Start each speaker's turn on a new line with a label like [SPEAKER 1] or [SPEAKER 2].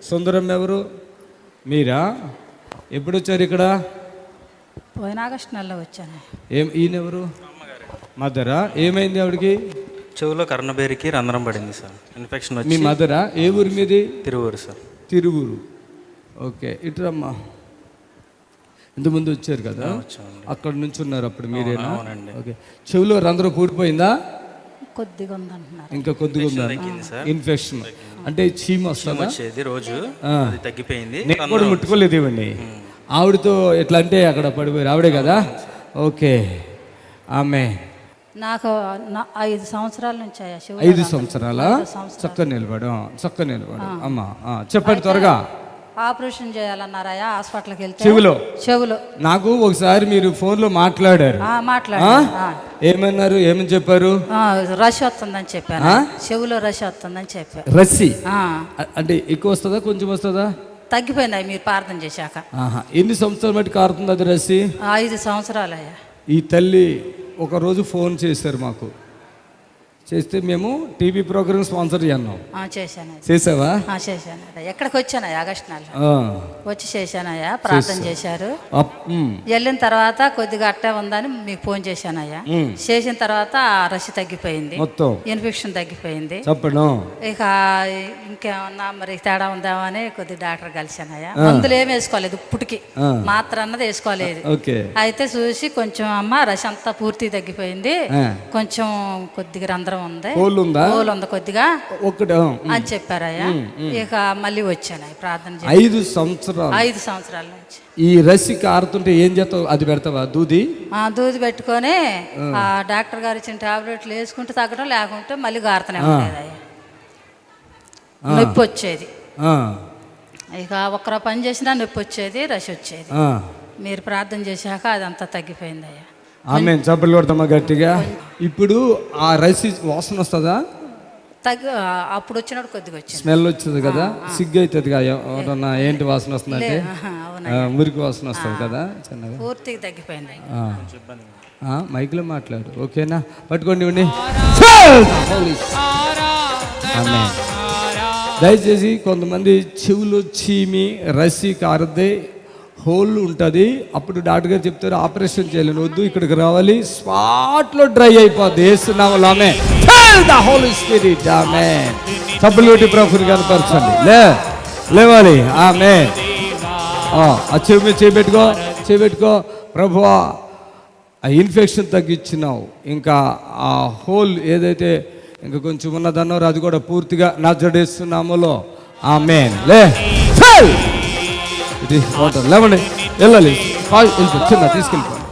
[SPEAKER 1] సుందరం ఎవరు? మీరా? ఎప్పుడు వచ్చారు ఇక్కడ?
[SPEAKER 2] పోయిన ఆగస్టు నెలలో వచ్చాను.
[SPEAKER 1] ఈయనెవరు? మదరా? ఏమైంది ఆవిడకి?
[SPEAKER 3] చెవులో కర్ణబేరికి రంధ్రం పడింది సార్, ఇన్ఫెక్షన్ వచ్చి.
[SPEAKER 1] మీ మదరా? ఏ ఊరు మీది?
[SPEAKER 3] తిరువూరు సార్.
[SPEAKER 1] తిరువూరు. ఓకే, ఇటురమ్మా. ఇంతకుముందు వచ్చారు కదా, అక్కడ నుంచి ఉన్నారు అప్పుడు మీరేనా? ఓకే, చెవులో రంధ్రం పూడిపోయిందా?
[SPEAKER 2] కొద్దిగా ఉందంటున్నారు.
[SPEAKER 1] ఇంకా కొద్దిగా ఉందా? ఇన్ఫెక్షన్ అంటే చీమ వస్తుందా?
[SPEAKER 3] రోజు తగ్గిపోయింది.
[SPEAKER 1] నేను కూడా ముట్టుకోలేదు ఇవన్నీ. ఆవిడతో ఎట్లా అంటే అక్కడ పడిపోయారు, ఆవిడే కదా? ఓకే. ఆమె
[SPEAKER 2] నాకు 5 సంవత్సరాల నుంచి
[SPEAKER 1] 5 సంవత్సరాల చక్క నిలబడు అమ్మా. చెప్పండి త్వరగా.
[SPEAKER 2] ఆపరేషన్ చేయాలన్నారయ్యా, హాస్పిటల్కి వెళ్తే
[SPEAKER 1] చెవులో. నాకు ఒకసారి మీరు ఫోన్లో మాట్లాడారు. ఏమన్నారు? ఏమని చెప్పారు?
[SPEAKER 2] రష్ వస్తుందని చెప్పాను. చెవులో రష్ వస్తుందని చెప్పారు.
[SPEAKER 1] రస్సి అంటే ఎక్కువ వస్తుందా కొంచెం వస్తుందా?
[SPEAKER 2] తగ్గిపోయింది మీరు ప్రార్థన చేశాక.
[SPEAKER 1] ఎన్ని సంవత్సరాలు బట్టి కారుతుంది అది రస్సి?
[SPEAKER 2] 5 సంవత్సరాలు అయ్యా.
[SPEAKER 1] ఈ తల్లి ఒకరోజు ఫోన్ చేశారు మాకు. చేస్తే మేము టీవీ ప్రోగ్రామ్ స్పాన్సర్ చేస్తున్నాం. చేసావా?
[SPEAKER 2] చేశాను. ఎక్కడికి వచ్చాను ఆగస్టు నెలలో వచ్చి చేశానయ్యా, ప్రార్థన చేశారు. వెళ్ళిన తర్వాత కొద్దిగా అట్టే ఉందని మీకు ఫోన్ చేశానయ్యా. చేసిన తర్వాత రష్ తగ్గిపోయింది, మొత్తం ఇన్ఫెక్షన్ తగ్గిపోయింది. ఇక ఇంకేమన్నా మరి తేడా ఉందామో అని కొద్ది డాక్టర్ కలిశానయ్యా. మందులు ఏమి వేసుకోలేదు, ఇప్పటికి మాత్ర అన్నది వేసుకోలేదు. అయితే చూసి కొంచెం అమ్మ రష్ అంతా పూర్తి తగ్గిపోయింది, కొంచెం కొద్దిగా రంధ్రం ఉంది, కొద్దిగా ఒకటి అని చెప్పారయ్యా. ఇక మళ్ళీ వచ్చాను ప్రార్థన.
[SPEAKER 1] 5 సంవత్సరాల నుంచి ఈ రస్సి కారుతుంటే ఏం చేస్తావు? అది పెడతావా? దూది
[SPEAKER 2] పెట్టుకొని ఆ డాక్టర్ గారు ఇచ్చిన టాబ్లెట్లు వేసుకుంటే తగ్గడం, లేకుంటే మళ్ళీ గారుతూనే ఉండేది. నొప్పి వచ్చేది. ఇక ఒక్కరో పని చేసినా నొప్పి వచ్చేది, రష్ వచ్చేది. మీరు ప్రార్థన చేశాక అదంతా తగ్గిపోయింది అయ్యా.
[SPEAKER 1] ఆమె చప్పట్లు కొడతామా గట్టిగా. ఇప్పుడు ఆ రస్సి వాసన వస్తుందా?
[SPEAKER 2] అప్పుడు వచ్చినప్పుడు కొద్దిగా వచ్చింది,
[SPEAKER 1] స్మెల్ వచ్చింది కదా, సిగ్గు అవుతుంది కదా. ఎవరన్నా ఏంటి వాసన వస్తుంది అంటే మురికి వాసన వస్తుంది కదా. చిన్నగా
[SPEAKER 2] పూర్తిగా తగ్గిపోయింది.
[SPEAKER 1] మైక్లో మాట్లాడు, ఓకేనా? పట్టుకోండి. దయచేసి కొంతమంది చెవులు చీమి రస్సి కారద్దే హోల్ ఉంటుంది, అప్పుడు డాక్టర్ గారు చెప్తారు ఆపరేషన్ చేయలేను, వద్దు ఇక్కడికి రావాలి, స్పాట్లో డ్రై అయిపోద్ది. వేస్తున్నాము ఆమె ద హోలీ స్పిరిట్. ఆమె సబ్బులు కొట్టి ప్రభుని కనపరచండి. లేవాలి. ఆమె ఆ చెవి చేపెట్టుకో. ప్రభువా, ఆ ఇన్ఫెక్షన్ తగ్గించినావు, ఇంకా ఆ హోల్ ఏదైతే ఇంకా కొంచెం ఉన్నదన్నారో అది కూడా పూర్తిగా నజరేస్తున్నాములో. ఆమేన్. ఇది లేవండి, వెళ్ళాలి, చిన్న తీసుకెళ్ళిపో.